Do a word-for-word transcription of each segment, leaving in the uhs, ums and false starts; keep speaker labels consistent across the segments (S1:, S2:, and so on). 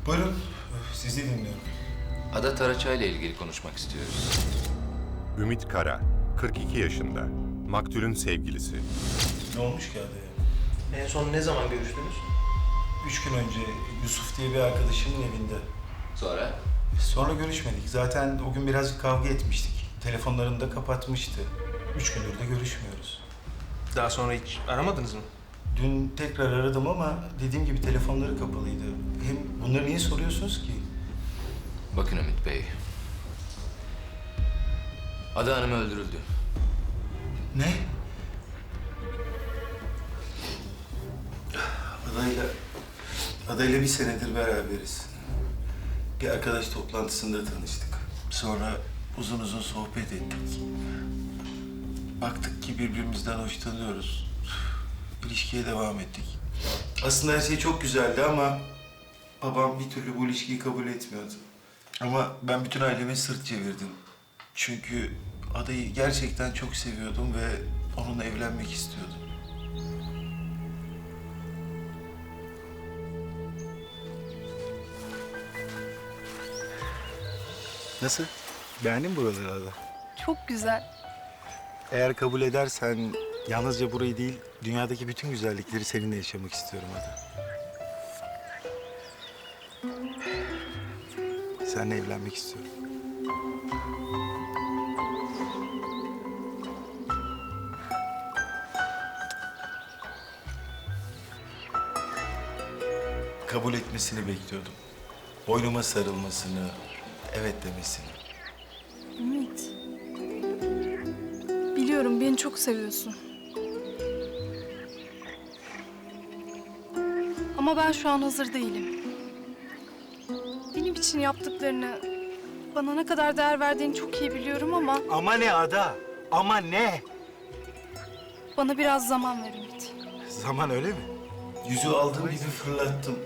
S1: Buyurun, sizi dinliyorum.
S2: Ada Taraçay ile ilgili konuşmak istiyoruz.
S3: Ümit Kara, kırk iki yaşında. Maktulün sevgilisi.
S1: Ne olmuş ki adaya?
S4: En son ne zaman görüştünüz?
S1: Üç gün önce Yusuf diye bir arkadaşımın evinde.
S2: Sonra?
S1: Sonra görüşmedik. Zaten o gün birazcık kavga etmiştik. Telefonlarını da kapatmıştı. Üç gündür de görüşmüyoruz.
S4: Daha sonra hiç aramadınız mı?
S1: Dün tekrar aradım ama dediğim gibi telefonları kapalıydı. Hem bunları niye soruyorsunuz ki?
S2: Bakın Ümit Bey. Ada Hanım öldürüldü.
S1: Ne? Adayla, adayla bir senedir beraberiz. Bir arkadaş toplantısında tanıştık. Sonra uzun uzun sohbet ettik. Baktık ki birbirimizden hoşlanıyoruz. İlişkiye devam ettik. Aslında her şey çok güzeldi ama babam bir türlü bu ilişkiyi kabul etmiyordu. Ama ben bütün aileme sırt çevirdim. Çünkü adayı gerçekten çok seviyordum ve onunla evlenmek istiyordum. Nasıl? Beğendin mi buraları Ada?
S5: Çok güzel.
S1: Eğer kabul edersen yalnızca burayı değil, dünyadaki bütün güzellikleri seninle yaşamak istiyorum Ada. Seninle evlenmek istiyorum. Kabul etmesini bekliyordum. Boynuma sarılmasını, evet demesini.
S5: Ümit. Biliyorum beni çok seviyorsun. Ama ben şu an hazır değilim. Benim için yaptıklarını, bana ne kadar değer verdiğini çok iyi biliyorum ama
S1: Ama ne Ada? Ama ne?
S5: bana biraz zaman ver Ümit.
S1: Zaman öyle mi? Yüzü aldığım gibi fırlattım.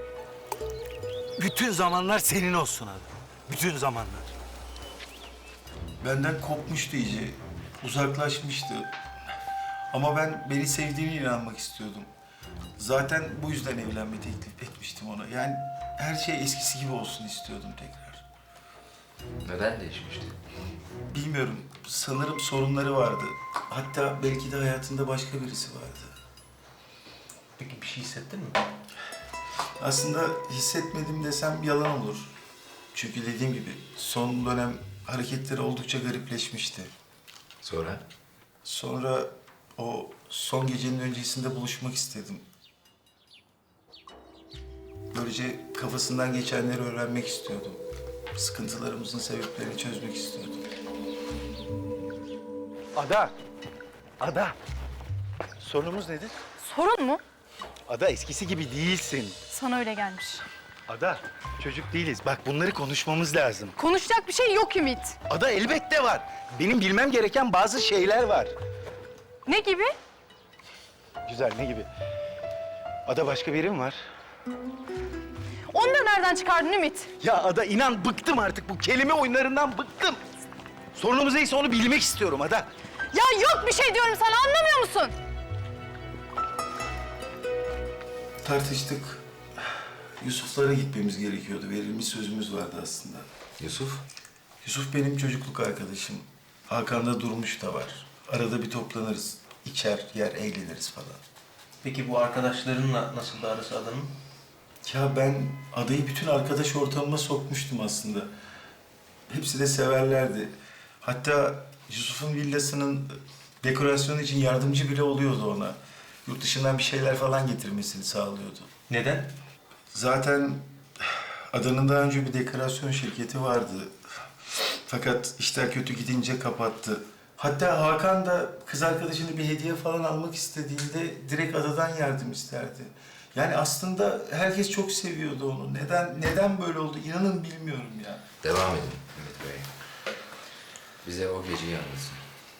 S1: Bütün zamanlar senin olsun Ada. Bütün zamanlar. Benden kopmuştu iyice. Uzaklaşmıştı. Ama ben beni sevdiğine inanmak istiyordum. Zaten bu yüzden evlenme teklif etmiştim ona. Yani her şey eskisi gibi olsun istiyordum tekrar.
S2: Neden değişmişti?
S1: Bilmiyorum. Sanırım sorunları vardı. Hatta belki de hayatında başka birisi vardı.
S4: Peki bir şey hissettin mi?
S1: Aslında hissetmedim desem yalan olur. Çünkü dediğim gibi son dönem hareketleri oldukça garipleşmişti.
S2: Sonra?
S1: Sonra o son gecenin öncesinde buluşmak istedim. Böylece kafasından geçenleri öğrenmek istiyordum. Sıkıntılarımızın sebeplerini çözmek istiyordum.
S6: Ada! Ada! Sorunumuz nedir?
S5: Sorun mu?
S6: Ada eskisi gibi değilsin.
S5: Sana öyle gelmiş.
S6: Ada çocuk değiliz. Bak bunları konuşmamız lazım.
S5: Konuşacak bir şey yok Ümit.
S6: Ada elbette var. Benim bilmem gereken bazı şeyler var.
S5: Ne gibi?
S6: Güzel ne gibi? Ada başka birim var.
S5: Onu da nereden çıkardın Ümit?
S6: Ya Ada inan bıktım artık bu kelime oyunlarından bıktım. Sorunumuz neyse onu bilmek istiyorum Ada.
S5: Ya yok bir şey diyorum sana, anlamıyor musun?
S1: Tartıştık. Yusuf'lara gitmemiz gerekiyordu. Verilmiş sözümüz vardı aslında.
S2: Yusuf?
S1: Yusuf benim çocukluk arkadaşım. Hakan'da Durmuş da var. Arada bir toplanırız. İçer, yer, eğleniriz falan.
S4: Peki bu arkadaşlarınla nasıl da arası Adan'ın?
S1: Ya ben adayı bütün arkadaş ortamıma sokmuştum aslında. Hepsi de severlerdi. Hatta Yusuf'un villasının dekorasyonu için yardımcı bile oluyordu ona. Yurt dışından bir şeyler falan getirmesini sağlıyordu.
S4: Neden?
S1: Zaten adanın daha önce bir dekorasyon şirketi vardı. Fakat işler kötü gidince kapattı. Hatta Hakan da kız arkadaşını bir hediye falan almak istediğinde direkt adadan yardım isterdi. Yani aslında herkes çok seviyordu onu. Neden neden böyle oldu inanın bilmiyorum ya.
S2: Devam edin Ümit Bey. Bize o geceyi anlatın.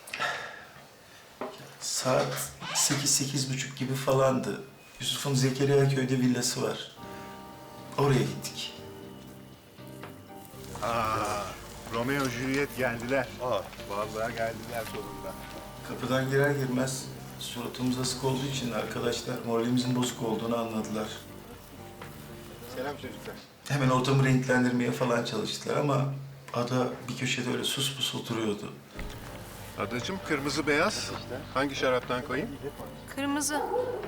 S1: Saat sekiz, sekiz buçuk gibi falandı. Yusuf'un Zekeriya köyde villası var. Oraya gittik.
S3: Aa, Romeo Juliet geldiler. Aa, vallahi geldiler sonunda.
S1: Kapıdan girer girmez suratımız asık olduğu için arkadaşlar moralimizin bozuk olduğunu anladılar.
S3: Selam çocuklar.
S1: Hemen ortamı renklendirmeye falan çalıştılar ama Ada bir köşede öyle sus pus oturuyordu.
S3: Adacığım kırmızı beyaz. Hangi şaraptan koyayım?
S5: Kırmızı.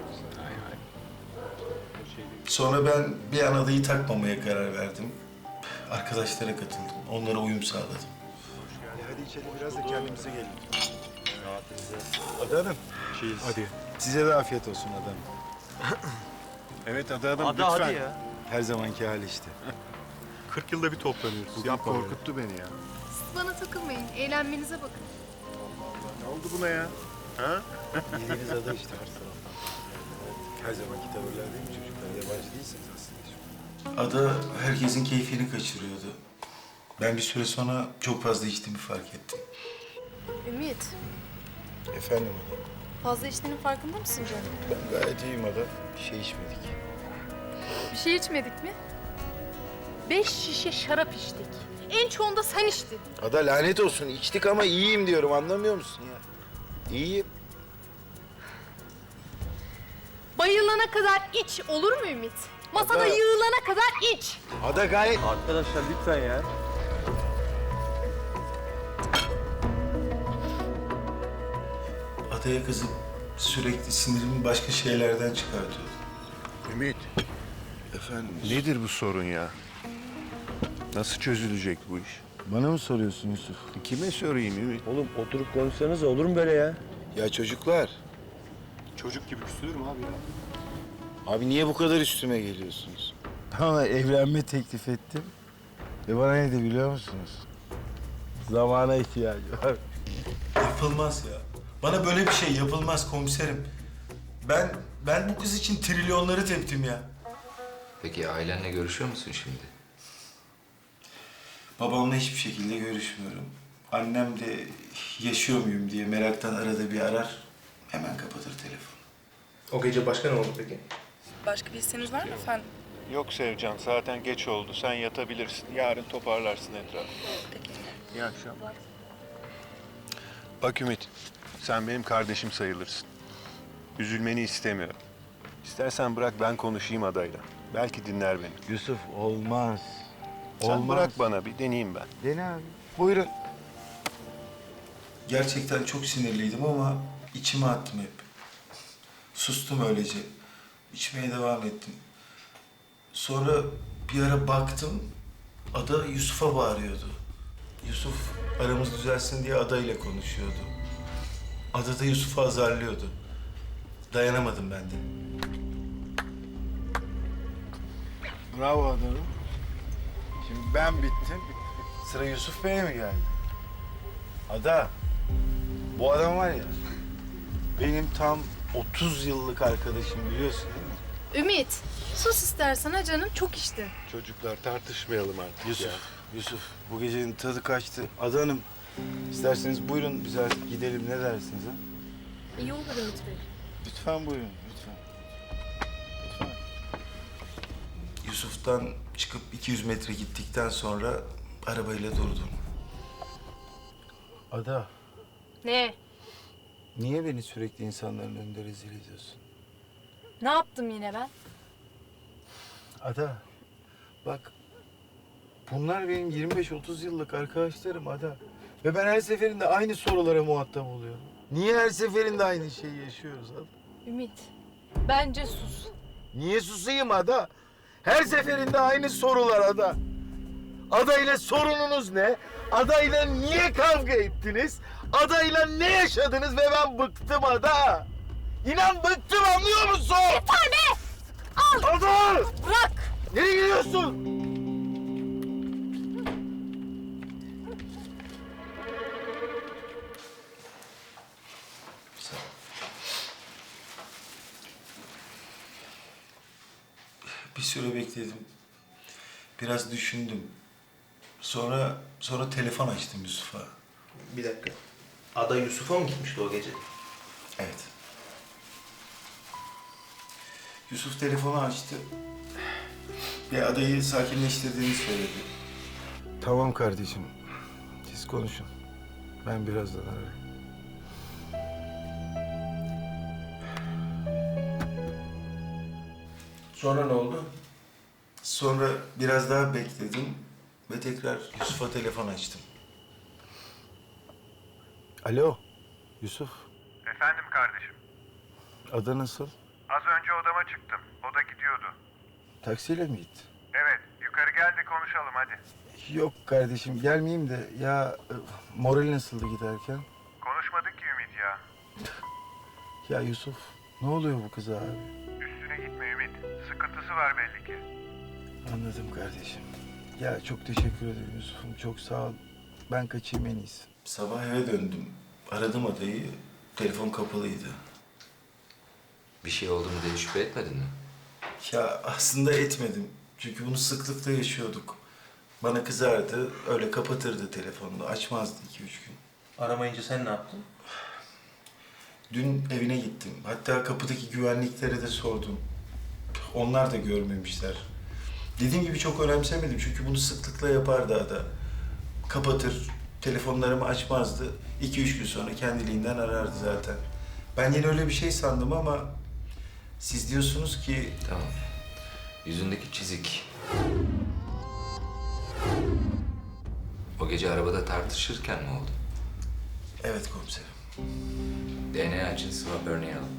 S1: Sonra ben bir an Ada'yı takmamaya karar verdim. Arkadaşlara katıldım. Onlara uyum sağladım.
S3: Hadi içelim biraz da kendimize gelin. Ada Hanım. Hadi. Size de afiyet olsun Ada Hanım. Evet Ada Hanım
S7: Ada
S3: lütfen.
S7: hadi ya.
S3: Her zamanki hali işte.
S7: kırk yılda bir toplanıyoruz.
S3: Bugün korkuttu beni ya.
S5: Bana takılmayın. Eğlenmenize bakın.
S3: Ne oldu buna ya? Ha?
S8: Bildiğiniz ada işte her taraftan. Her zamanki tavırlar değil mi çocuklar? Yabancı değilsiniz aslında.
S1: Ada herkesin keyfini kaçırıyordu. Ben bir süre sonra çok fazla içtiğimi fark ettim.
S9: Ümit,
S8: Efendim ada.
S9: fazla içtiğinin farkında mısın canım?
S8: Ben gayet iyiyim ada. Bir şey içmedik.
S9: Bir şey içmedik mi? Beş şişe şarap içtik. En çoğunda sen içtin.
S8: Ada lanet olsun. İçtik ama iyiyim diyorum. Anlamıyor musun ya? İyiyim.
S9: Bayılana kadar iç, olur mu Ümit? Masada
S8: Ada-
S9: yığılana kadar iç.
S8: Ada gayet...
S7: Arkadaşlar lütfen ya.
S1: Adaya kızıp sürekli sinirimi başka şeylerden çıkartıyordu.
S3: Ümit.
S1: Efendim?
S3: Nedir bu sorun ya? Nasıl çözülecek bu iş?
S8: Bana mı soruyorsun Yusuf?
S3: Kime sorayım Ümit?
S7: Oğlum oturup konuşsanız olur mu böyle ya?
S8: Ya çocuklar.
S7: Çocuk gibi küsülür mü abi ya?
S8: Abi niye bu kadar üstüme geliyorsunuz? Ama evlenme teklif ettim. Ve bana ne de biliyor musunuz? Zamana ihtiyacı var.
S1: Yapılmaz ya. Bana böyle bir şey yapılmaz komiserim. Ben ben bu kız için trilyonları teptim ya.
S2: Peki ailenle görüşüyor musun şimdi?
S1: Babamla hiçbir şekilde görüşmüyorum. Annem de yaşıyor muyum diye meraktan arada bir arar. Hemen kapatır telefonu.
S4: O gece başka ne oldu peki?
S10: Başka bir isteğiniz var mı efendim?
S3: Yok Sevcan, zaten geç oldu. Sen yatabilirsin. Yarın toparlarsın etrafı.
S10: Peki.
S3: İyi akşamlar. Bak Ümit, sen benim kardeşim sayılırsın. Üzülmeni istemiyorum. İstersen bırak ben konuşayım adayla. Belki dinler beni.
S8: Yusuf olmaz.
S3: Sen
S8: Olmaz.
S3: bırak bana bir deneyeyim ben.
S8: Dene abi. Buyurun.
S1: Gerçekten çok sinirliydim ama içime attım hep. Sustum öylece. İçmeye devam ettim. Sonra bir ara baktım, Ada Yusuf'a bağırıyordu. Yusuf aramız düzelsin diye Ada ile konuşuyordu. Ada da Yusuf'u azarlıyordu. Dayanamadım ben de.
S8: Bravo adamım. Şimdi ben bittim. Sıra Yusuf Bey'e mi geldi? Ada, bu adam var ya, benim tam otuz yıllık arkadaşım biliyorsun değil mi?
S9: Ümit, sus istersen ha canım, çok içti.
S3: Çocuklar tartışmayalım artık
S8: Yusuf,
S3: ya.
S8: Yusuf bu gecenin tadı kaçtı. Ada Hanım, isterseniz buyurun biz artık gidelim ne dersiniz ha?
S9: İyi olur Ümit Bey.
S8: Lütfen buyurun, lütfen. Lütfen.
S1: Yusuf'tan çıkıp iki yüz metre gittikten sonra arabayla durdum.
S8: Ada,
S9: Ne?
S8: niye beni sürekli insanların önünde rezil ediyorsun?
S9: Ne yaptım yine ben?
S8: Ada, bak bunlar benim yirmi beş otuz yıllık arkadaşlarım Ada. Ve ben her seferinde aynı sorulara muhatap oluyorum. Niye her seferinde aynı şeyi yaşıyoruz Ada?
S9: Ümit, bence sus.
S8: Niye susayım Ada? Her seferinde aynı sorular Ada. Ada ile sorununuz ne? Ada ile niye kavga ettiniz? Ada ile ne yaşadınız ve ben bıktım Ada. İnan bıktım anlıyor musun?
S9: Yeter be! Al!
S8: Ada!
S9: Bırak!
S8: Nereye gidiyorsun?
S1: Bir süre bekledim. Biraz düşündüm. Sonra sonra telefon açtım Yusuf'a.
S4: Bir dakika. Ada Yusuf'a mı gitmişti o gece?
S1: Evet. Yusuf telefonu açtı. Ve adayı sakinleştirdiğini söyledi.
S8: Tamam kardeşim. Siz konuşun. Ben birazdan ararım.
S4: Sonra ne oldu?
S1: Sonra biraz daha bekledim ve tekrar Yusuf'a telefon açtım.
S8: Alo, Yusuf.
S11: Efendim kardeşim.
S8: Ada nasıl?
S11: Az önce odama çıktım. O da gidiyordu.
S8: Taksiyle mi gitti?
S11: Evet, yukarı gel de konuşalım hadi.
S8: Yok kardeşim, gelmeyeyim de ya e, moral nasıldı giderken?
S11: Konuşmadık ki Ümit ya.
S8: Ya Yusuf, ne oluyor bu kıza abi?
S11: Üstüne gitme Ümit. Sıkıntısı var belli ki.
S8: Anladım kardeşim. Ya çok teşekkür ederim Yusuf'um, çok sağ ol. Ben kaçayım en iyisi.
S1: Sabah eve döndüm. Aradım adayı. Telefon kapalıydı.
S2: Bir şey oldu mu diye şüphe etmedin mi?
S1: Ya aslında etmedim. Çünkü bunu sıklıkla yaşıyorduk. Bana kızardı, öyle kapatırdı telefonunu. Açmazdı iki üç gün.
S4: Aramayınca sen ne yaptın?
S1: Dün evine gittim. Hatta kapıdaki güvenliklere de sordum. Onlar da görmemişler. Dediğim gibi çok önemsemedim çünkü bunu sıklıkla yapardı ada. Kapatır, telefonlarımı açmazdı. İki üç gün sonra kendiliğinden arardı zaten. Ben yine öyle bir şey sandım ama siz diyorsunuz ki
S2: Tamam. Yüzündeki çizik. O gece arabada tartışırken mi oldu?
S1: evet komiserim.
S2: D N A için swab örneği alalım.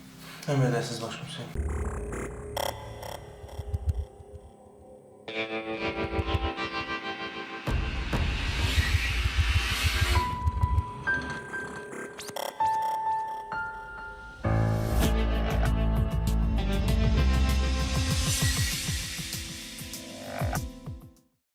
S4: Emredersiniz başkomiserim.